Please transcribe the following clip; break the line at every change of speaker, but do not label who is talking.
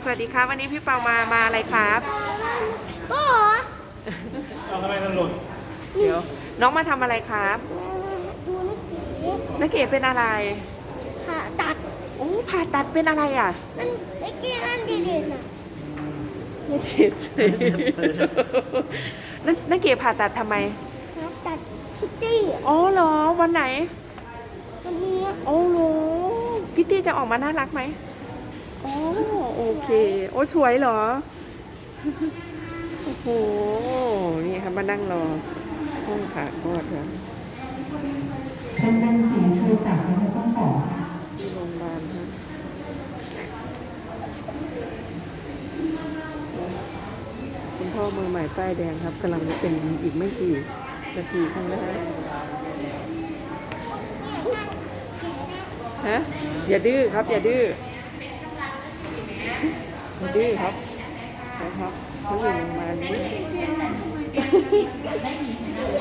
วัสดีครับวันนี้พี่เปามาอะไรครับ
โอ้
เอาทำไมมันหล่น
เดี๋ยวน้องมาทำอะไรครับ
ดู
นักเก๋เป็นอะไร
ผ่าตัด
โอ้ผ่าตัดเป็นอะไรอ่ะ
มันไม่เกี่ยนดีๆนะ
นักเก๋สินักเก๋ผ่าตัดทำไม
ผ่าตัดคิตตี้
อ๋อเหรอวันไหน
วันนี้
โอ้โหพิตตี้จะออกมาน่ารักไหมโอ้โอเคโอ้สวยเหรอโอ้โหนี่ครับมานั่งรอห้องผ่าคลอดครับ
เป็นเสียงชูแต่ไม่ต้องบอก
ที่โรงพยาบาลครับคุณพ่อมือใหม่ป้ายแดงครับกำลังจะเป็นอีกไม่กี่นาทีข้างหน้าฮะอย่าดื้อครับอย่าดื้ออย่าดื้อครับนะครับเขาอยู่โรงพยาบาลนี้